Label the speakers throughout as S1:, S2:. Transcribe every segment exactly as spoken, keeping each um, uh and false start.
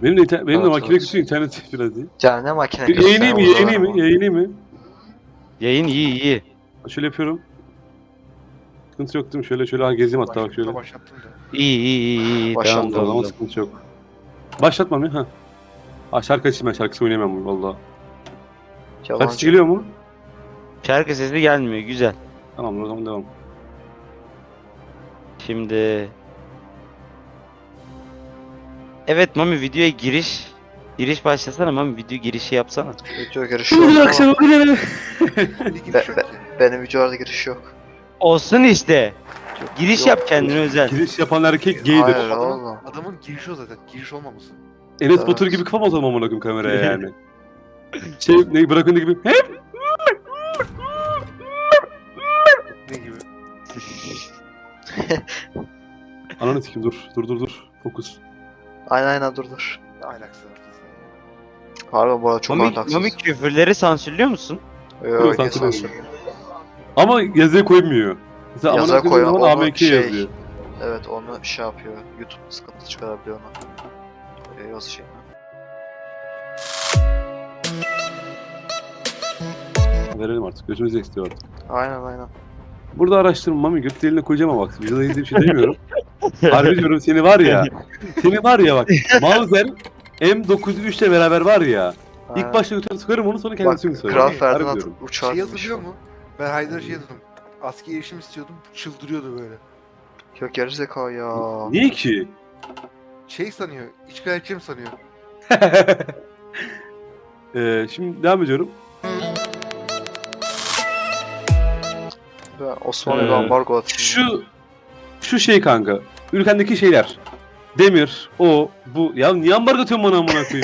S1: Benim de, inter- benim de
S2: Evet,
S1: makine
S2: evet.
S1: kötü, internet biraz iyi.
S2: Yani ne makine
S1: Bir yayınlayayım mı, yayınlayayım mı, yayınlayayım mı?
S3: Yayın iyi iyi.
S1: Şöyle yapıyorum. Sıkıntı yok değil mi? Şöyle şöyle ha, gezeyim hatta bak şöyle.
S4: Başlattım da.
S3: İyi iyi iyi iyi.
S2: Başlattım.
S3: Tamam
S1: O zaman
S3: tamam.
S1: sıkıntı yok. Başlatmam ya ha. Ha şarkı açayım, ben şarkısı oynayamam valla. Kaç geliyor mu?
S3: Şarkı sesi gelmiyor güzel.
S1: Tamam o zaman devam.
S3: Şimdi evet Mami videoya giriş giriş başlasana Mami, video girişi yapsana.
S2: Video girişi yok ama
S4: Bir giriş
S2: Be-
S4: yok
S2: be-
S4: ki.
S2: benim videolarda giriş yok.
S3: Olsun işte.
S2: Yok,
S3: Giriş
S2: yok.
S3: yap kendine özel.
S1: Giriş yapan erkek gaydir.
S2: Hayır
S4: Adamın,
S2: oğlum.
S4: adamın girişi o zaten. Giriş olmaması.
S1: Enes
S2: Evet.
S1: Batur gibi kafam atalım amına koyayım kameraya yani. Şey ne bırakın gibi hep
S4: Ne gibi?
S1: ananı sikeyim, dur dur dur dur fokus.
S2: Aynen aynen dur dur.
S4: Ne alakası var?
S2: Harbi bu arada çok
S3: Mami,
S2: ahlaksız.
S3: Mami küfürleri sansürlüyor musun?
S2: Yok
S1: Yok,
S2: yok
S1: sansür
S2: sansür.
S1: Ama yazıya koymuyor. Mesela
S2: Yazıya
S1: amına
S2: koy,
S1: koyduğun zaman
S2: onu
S1: A M K
S2: şey-
S1: yazıyor.
S2: Evet onu şey yapıyor. YouTube sıkıntı çıkarabiliyor ona. Ee, yaz şey.
S1: Verelim artık, gözümüzü istiyor artık.
S2: Aynen aynen.
S1: Burada araştırma Mami, göt deliğine koyacağım ama bak videoda izlediğim şey demiyorum. Harbi diyorum, seni var ya. Seni var ya bak. Mauser M dokuz üç ile beraber var ya. İlk
S2: Aynen.
S1: başta götüne sıkarım onu, sonra
S2: Bak
S1: kendisini sıkarım.
S2: Kral
S1: Harbi
S2: Ferdinand
S1: diyorum.
S2: uçağı
S4: Şey
S2: binmiş.
S4: yazılıyor mu? Ben Haydar'a şey yazdım. Askeri erişim istiyordum. Çıldırıyordu böyle.
S2: Yok gerizekalı ya.
S1: Niye ki?
S4: Şey sanıyor. İşgalciyim sanıyor.
S1: ee, şimdi devam ediyorum.
S2: Ben Osmanlı'ya
S1: Ee,
S2: ambargo atayım.
S1: Şu şu şey kanka. Ülkendeki şeyler. Demir, o, bu. Ya niye ambargo atıyorsun bana amına koyayım?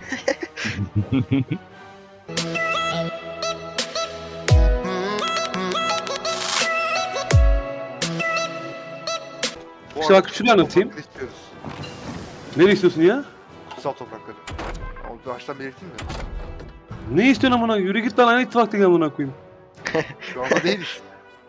S4: Bu
S1: İşte
S4: arada
S1: bak şunu anlatayım.
S4: toprakları istiyoruz.
S1: Nereye istiyorsun ya?
S4: Kutsal toprakları. Onu baştan belirteyim de.
S1: Ne istiyorsun amına? Yürü git lan, aynı ittifakta gel amına koyayım.
S4: Şu anda değil işte.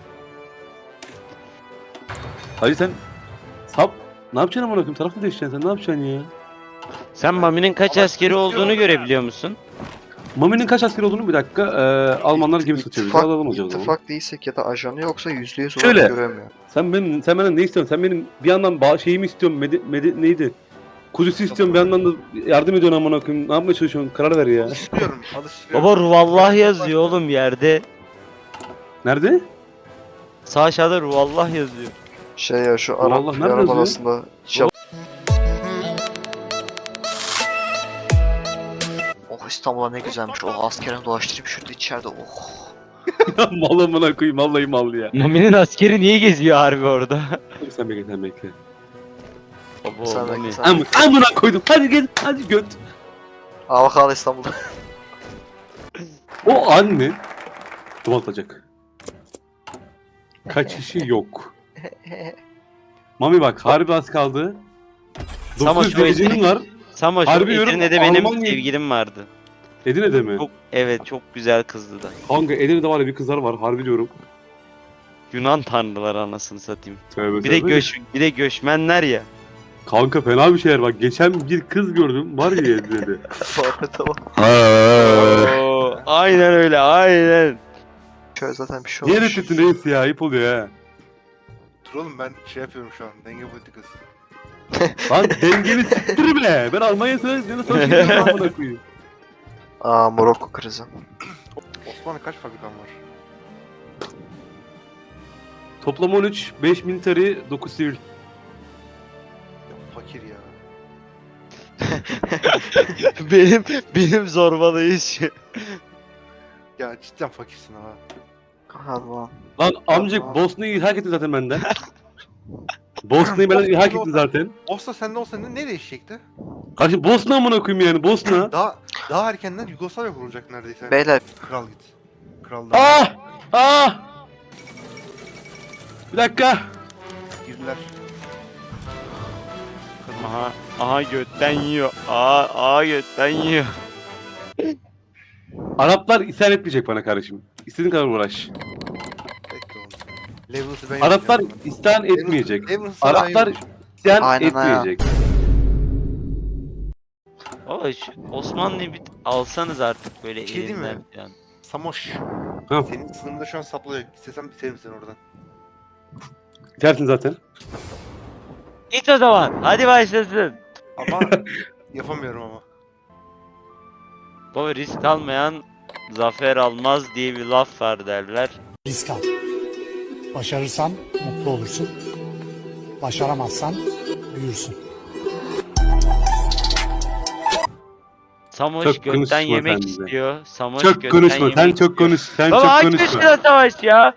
S1: Hacı sen sap ne yapacaksın amına koyayım? Taraf mı değiştireceksin sen? Ne yapacaksın ya?
S3: Sen Mami'nin kaç
S4: Ama
S3: askeri olduğunu görebiliyor musun?
S1: Mami'nin kaç asker olduğunu bir dakika. Ee, Almanlar gemi satıyor. Biz
S2: İttifak-
S1: alalım hocam o zaman.
S2: İttifak değilsek ya da ajanı yoksa yüzde yüz
S1: Şöyle.
S2: olarak göremiyor.
S1: Sen benim, sen benden ne istiyorsun? Sen benim bir yandan ba- şeyimi istiyorsun. Medi, medi, neydi? Kudüs'ü istiyorum, bir yandan da yardım ediyorsun amına koyayım. Ne yapmaya çalışıyorsun? Karar ver ya.
S4: Alıştırıyorum. Alıştırıyorum.
S3: Baba Ruvallah yazıyor oğlum yerde.
S1: Nerede?
S3: Sağ aşağıda Ruvallah yazıyor.
S2: Şey ya şu
S1: Allah,
S2: Arap
S1: nerede
S2: Arap
S1: yazıyor?
S2: arasında şey... Oh İstanbul'a ne güzelmiş. Oh askerini dolaştırayım şurada içeride. Oh.
S1: Mal amına koyayım. Vallahi mal ya.
S3: Mami'nin askeri niye geziyor harbi orada?
S1: Sen bekle, sen bekle.
S3: Baba
S2: Sen
S3: Mami.
S2: bekle sen.
S1: Am amına koydum. Hadi gel. Hadi göt.
S2: Aa bak hala İstanbul'da.
S1: O anne duman atacak. Kaçışı yok. Mami bak, harbi az kaldı.
S3: Sama
S1: dokuz
S3: şu
S1: derecinin
S3: Edirne-
S1: var.
S3: Sama şu
S1: Harbi diyorum,
S3: Edirne'de benim
S1: Almanya-
S3: sevgilim vardı.
S1: Edirne'de mi?
S3: Çok, evet çok güzel kızdı da.
S1: Kanka Edirne'de var ya bir kızlar var, harbi diyorum.
S3: Yunan tanrıları anasını satayım.
S1: Tövbe
S3: Bir de
S1: tövbe.
S3: göç bir de göçmenler ya.
S1: Kanka fena bir şeyler bak. Geçen bir kız gördüm var ya Edirne'de.
S2: Muhabbete bak.
S3: Oo, aynen öyle aynen.
S2: Şöyle zaten bir şey
S1: Niye
S2: olmuş.
S1: reddettin reis ya? Ayıp oluyor ha.
S4: Dur oğlum ben şey yapıyorum şu an. Denge politikası.
S1: Lan dengeni siktir bile. Ben Almanya'ya söylediğinde sonra şey yapamam amına koyayım.
S2: Aa Morokko krizi.
S4: Osmanlı kaç fabrikan var?
S1: Toplam on üç, beş military, dokuz sivil.
S4: Ya fakir ya.
S3: benim benim zorbalayış.
S4: Ya cidden fakirsin ha.
S2: Hadi lan.
S1: Lan amcık Bosna'yı ilhak ettin zaten benden. Bosna'yı benden ilhak ettin zaten.
S4: Olsa sende olsa ne, ne değişecekti?
S1: Karşı Bosna amına koyayım yani, Bosna.
S4: Daha daha erkenden Yugoslavya kurulacak neredeyse.
S2: Beyler
S4: Kral git. Kral da
S1: Ah! Ah! Bir dakika.
S4: girdiler. Kadın.
S3: Aha aha götten yiyor. Aa aa götten yiyor.
S1: Araplar isyan etmeyecek bana kardeşim. İstediğin kadar uğraş.
S4: Bekle oğlum. Level'sı ben
S1: Araplar
S4: yapacağım.
S1: isyan etmeyecek.
S4: Level'sı ben
S1: Araplar
S4: yapacağım.
S1: isyan
S2: Aynen ha.
S1: etmeyecek.
S3: Baba şu Osmanlı'yı bir alsanız artık böyle
S4: Bir şey diyeyim mi?
S3: elinden falan.
S4: Samoş.
S1: Ha.
S4: Senin sınırında şu an saplıyor. İstesem biterim seni oradan.
S1: Bitersin zaten.
S3: Git o zaman. Hadi başlasın.
S4: Ama yapamıyorum ama.
S3: Baba risk almayan zafer almaz diye bir laf var derler.
S5: Risk al. Başarırsan mutlu olursun. Başaramazsan büyürsün.
S3: Samoş
S1: Çok
S3: gökten
S1: konuşma
S3: yemek
S1: sen bize.
S3: istiyor. Samoş
S1: Çok
S3: gökten
S1: konuşma.
S3: yemek
S1: Sen
S3: istiyor.
S1: çok konuş. Sen
S3: Baba
S1: çok
S3: aç
S1: konuşma.
S3: başına savaş ya.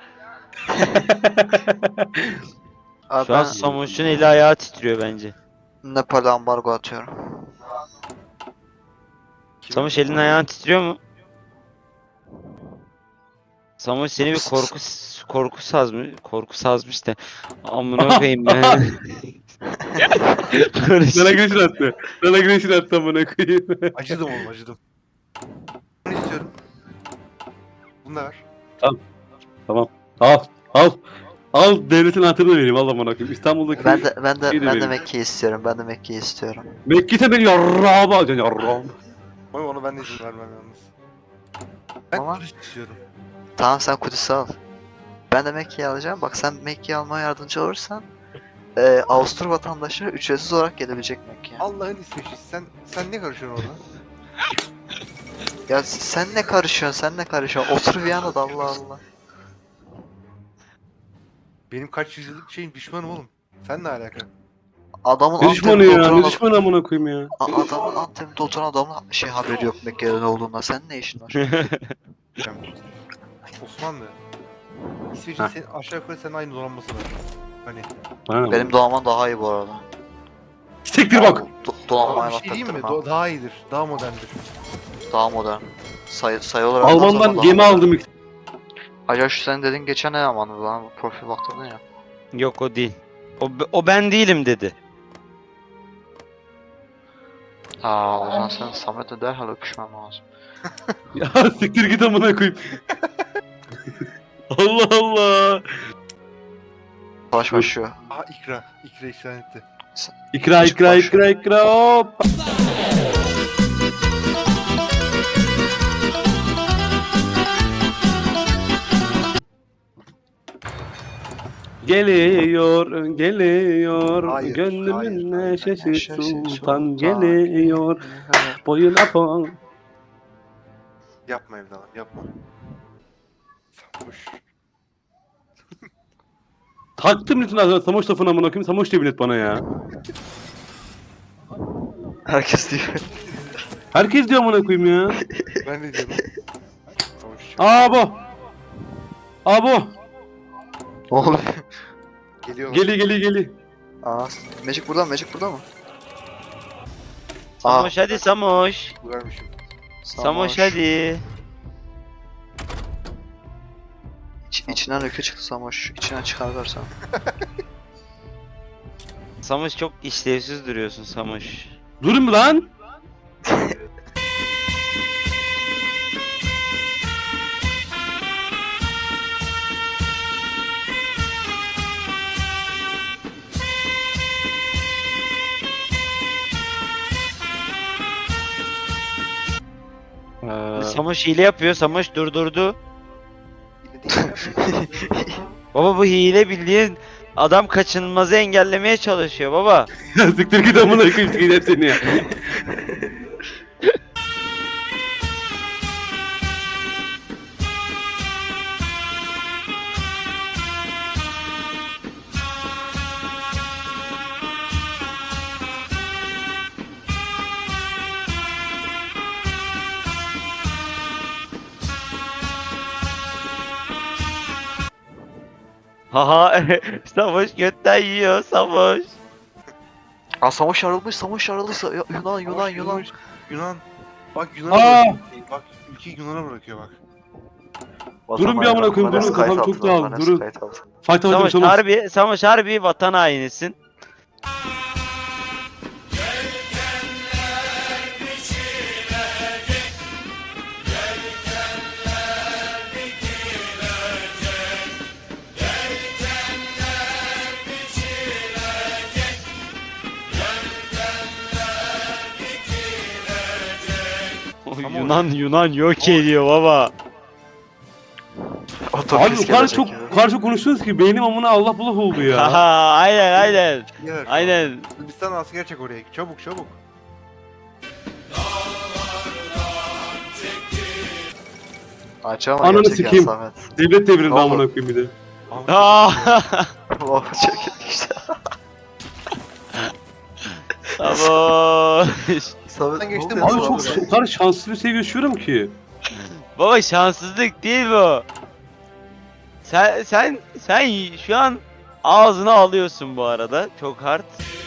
S2: Abi
S3: Şu an
S2: ben
S3: Samoş'un eli ayağı titriyor bence.
S2: Nepal'e ambargo atıyorum.
S3: Samoş elin ayağın titriyor mu? Samoş seni bir korku korku sazmış, korku sazmış da amına koyayım ben.
S1: Sana güneşin attı. Sana güneşin attı amına koyayım.
S4: Acıdım oğlum acıdım. Bunu istiyorum. Bunu da ver.
S1: Tamam. Al. Al. Al devletin hatırını vereyim. Al amına koyayım. İstanbul'daki
S2: Ben de ben de
S1: İyi de
S2: ben de
S1: benim.
S2: Mekke'yi istiyorum. Ben de Mekke'yi istiyorum.
S1: Mekke'de beni yarrağıma alacaksın yarrağıma.
S4: Ama onu ben de izin vermem yalnız. Ben
S2: Ama-
S4: Kudüs istiyorum.
S2: Tamam sen Kudüs'ü al. Ben de Mekke'yi alacağım. Bak sen Mekke'yi almaya yardımcı olursan e, Avusturya vatandaşları ücretsiz olarak gelebilecek Mekke'ye.
S4: Allah'ın İsveç'i. Sen sen ne karışıyorsun orada?
S2: Ya sen ne karışıyorsun? Sen ne karışıyorsun? Otur Viyana'da Allah Allah.
S4: Benim kaç yüzyıllık şeyim düşmanım oğlum. Sen ne alaka?
S2: Adamın
S1: Ne düşmanı
S2: Antep'te
S1: ya?
S2: oturan
S1: Ne düşmanı amına koyayım ya?
S2: A- adamın Antep'te oturan adamın şey haberi yok Mekke'de ne olduğundan. Senin ne işin var?
S4: Osmanlı. İsveç'in
S1: Heh.
S4: senin aşağı yukarı senin aynı donanması var. Hani.
S1: Bana ne?
S2: Benim doğaman daha iyi bu arada.
S1: Siktir bak.
S2: Do donanmaya
S4: Ama bir
S2: laf
S4: şey diyeyim mi?
S2: ettirmem.
S4: Do- daha iyidir. Daha moderndir.
S2: Daha modern. Sayı, sayı olarak daha
S1: Alman'dan
S2: daha
S1: gemi
S2: modern.
S1: aldım. ilk-
S2: Acaba şu senin dediğin geçen ne zamandı lan? Bu profil baktırdın ya.
S3: Yok o değil. O, o ben değilim dedi.
S2: Aa o zaman sen Samet'le derhal öpüşmem lazım.
S1: Ya siktir git amına koyayım. Allah Allah.
S2: Savaş başlıyor.
S4: Aha ikra. İkra işaret etti.
S1: İkra ikra ikra ikra hop. Geliyor, geliyor,
S4: Hayır,
S1: gönlümün
S4: hayır, hayır.
S1: neşesi
S2: Neşesi
S1: sultan
S2: sultan
S1: geliyor, boyuna pon.
S4: Yapma evladım yapma. Sarhoş.
S1: Taktım lütfen ağzına Samoş lafını amına koyayım, Samoş diye bilet bana ya.
S2: Herkes diyor.
S1: Herkes diyor amına koyayım ya.
S4: Ben de diyorum. Sarhoş.
S1: Abo. Abo.
S2: Ne oluyor?
S4: Geliyorlar.
S1: Geli geli geli.
S2: Aa, Magic burada mı? Magic burada mı?
S3: Samoş hadi Samoş.
S4: Vermişim.
S3: Samoş hadi.
S2: İç, içinden öykü çıktı Samoş. İçinden çıkarırsan.
S3: Samoş çok işlevsiz duruyorsun Samoş.
S1: Durun mu lan? Ee,
S3: Samoş hile yapıyor. Samoş durdurdu.
S4: Yine değil.
S3: Baba bu hile bildiğin adam kaçınılmazı engellemeye çalışıyor baba.
S1: ya siktir git amına koyayım sikeceğim seni ya.
S3: Haha Samoş götten yiyor Samoş.
S2: Aa Samoş yarılmış. Samoş yarılmış. Ya- Yunan Yunan
S4: Sarhoş,
S2: Yunan.
S4: Yunan. Bak Yunan'a
S1: Aa!
S4: bırakıyor. Bak ülkeyi Yunan'a bırakıyor bak.
S1: Durun bir amına koyayım, durun, kafam çok dağıldı, durun. Fight alacağım
S3: Samoş
S1: Samoş.
S3: harbi, Samoş harbi vatan hainisin.
S4: Ama
S3: Yunan Yunan yok ediyor baba.
S2: Otobüs
S1: Abi o kadar
S2: gelecek
S1: çok,
S2: ya.
S1: o kadar çok konuştunuz ki beynim amına Allah bulak oldu ya.
S3: Haha aynen aynen.
S4: Yer.
S3: Aynen.
S4: Sırbistan asker çek oraya. Çabuk çabuk.
S2: Acaba
S1: Ananı
S2: gerçek ya
S1: sikeyim.
S2: Samet.
S1: Devlet devrildi
S2: Ne oldu?
S1: amına koyayım bir de.
S3: Aa,
S2: Oh çok işte.
S3: Baba.
S2: Samet
S4: geçtim,
S2: ne oluyor
S1: Abi
S2: lan
S1: çok
S2: buraya?
S1: o kadar şanslı bir şey yaşıyorum ki.
S3: Baba şanssızlık değil bu. Sen sen sen şu an ağzına alıyorsun bu arada. Çok hard.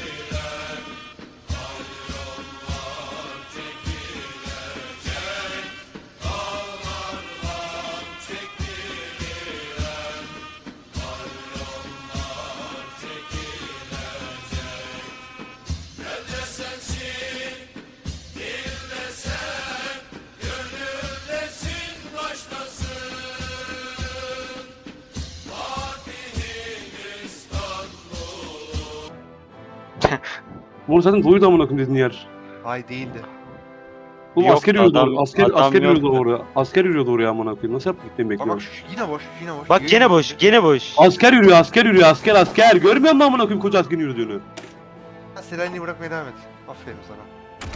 S1: Bunu zaten doydu amına koyayım dedin yer.
S4: Ay değildi.
S1: Oğlum
S3: Yok,
S1: asker yürüyordu
S3: adam-
S1: oraya. Asker,
S3: adam
S1: asker yürüyordu
S3: yoktu.
S1: oraya. Asker yürüyordu oraya amına koyayım. Nasıl yaptık gitmeyi
S4: Bak bak
S1: bekliyorum.
S4: şu- yine boş yine boş.
S3: Bak gene boş, gene boş.
S1: Asker yürüyor, asker yürüyor, asker asker. Görmüyor musun amına koyayım koca askerin yürüdüğünü?
S4: Selanik'i bırakmaya devam et. Aferin sana.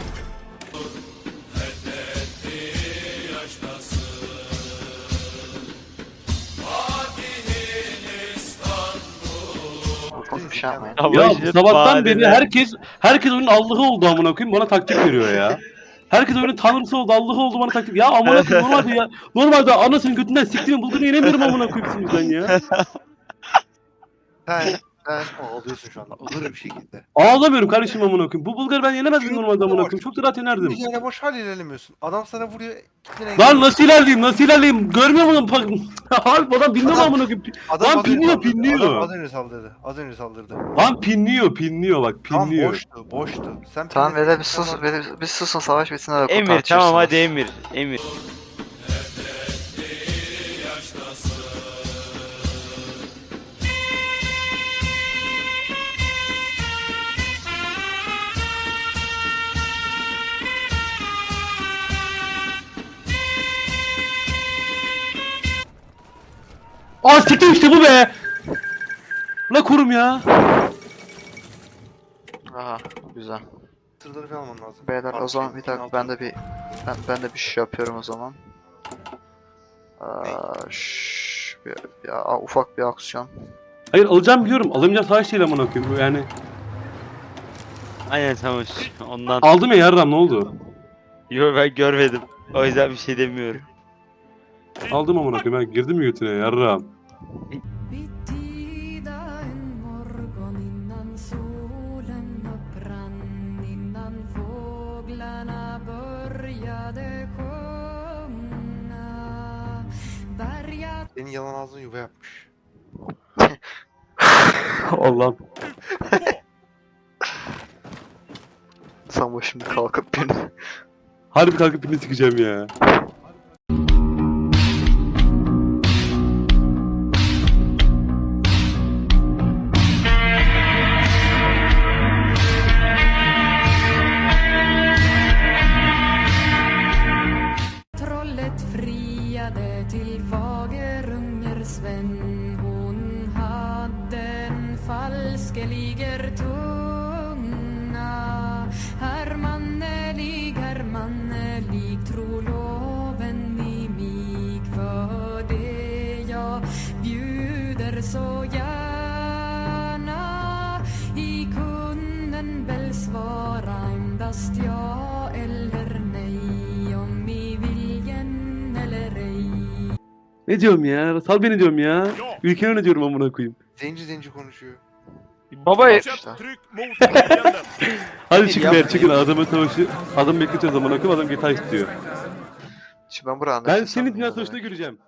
S2: Oğlum bir şey yapmayın.
S1: Ya
S3: Savaşın
S1: sabahtan beri
S3: bahaneler.
S1: herkes herkes oyunun Allah'ı oldu amına koyayım bana taktik veriyor ya. Herkes oyunun tanrısı oldu, Allah'ı oldu bana taktik. Ya amına koyayım normalde ya. Normalde anasının götünden siktiğimi bulduğunu yenemiyorum amına koyayım sizden ya.
S4: Sen sen ağlıyorsun şu anda. Olur bir şekilde.
S1: Ağlamıyorum kardeşim amına koyayım. Bu Bulgarı ben yenemezdim normalde amına koyayım. Çok da rahat yenerdim.
S4: Bir yere boş hal ilerlemiyorsun. Adam sana vuruyor. gitmene
S1: Lan
S4: engel-
S1: nasıl ilerleyeyim? Nasıl ilerleyeyim? Görmüyor musun? Abi adam bilmiyor mu
S4: Adam-
S1: amına koyayım?
S4: Adam
S1: Lan
S4: az önce
S1: pinliyor,
S4: saldırdı.
S1: pinliyor.
S4: Adam az önce saldırdı. Az önce saldırdı.
S1: Lan pinliyor, pinliyor bak
S4: Tamam
S1: pinliyor.
S4: boştu, boştu. Sen
S2: Tamam
S4: pinledin,
S2: beyler bir
S4: sen
S2: sus,
S4: var-
S2: bir, bir susun savaş bitsin öyle
S3: Emir
S2: tartışırsınız.
S3: tamam hadi Emir. Emir.
S1: Aa siktir işte bu be. La kurum ya.
S2: Aha güzel.
S4: Sırları falan alman lazım.
S2: Beyler o
S4: Altı
S2: zaman
S4: şey,
S2: bir dakika
S4: altı.
S2: ben de bir ben, ben de bir şey yapıyorum o zaman. Aa, şş, bir, ya, ufak bir aksiyon.
S1: Hayır alacağım biliyorum. Alamayacağım savaş değil amına koyayım yani.
S3: Aynen tamam. Ondan.
S1: Aldım ya yarram ne oldu?
S3: Yo ben görmedim. O yüzden bir şey demiyorum.
S1: Aldım amına koyayım ben girdim mi götüne yarram.
S6: Betyda en morgon innan solen upprann, innan fåglarna började sjunga. Bergat
S4: Senin yalan ağzın yuva yapmış.
S1: Allah'ım.
S2: Sen bu şimdi kalkıp beni.
S1: Harbi kalkıp birini sikeceğim ya.
S6: trollet friade till Fagerunger Sven. Hon hade en falskeliger tunga. Hermannelig, hermannelig, tro loven i mig. För det jag bjuder så gärna. I kunden väl svara endast ja eller nej. Om i viljen eller ej.
S1: Ne diyorum ya? Sal beni diyorum ya. Ülkeni ne diyorum amına koyayım.
S4: Zenci zenci konuşuyor.
S3: Baba
S2: İşte.
S1: Hadi çıkın
S4: yapma
S1: be çıkın adamı savaşı. Adam bekletiyoruz amına koyayım adam gitar istiyor.
S2: Şimdi ben buraya
S1: Ben
S2: anlaşılsam
S1: seni
S2: mı
S1: dünya
S2: demek?
S1: savaşında göreceğim.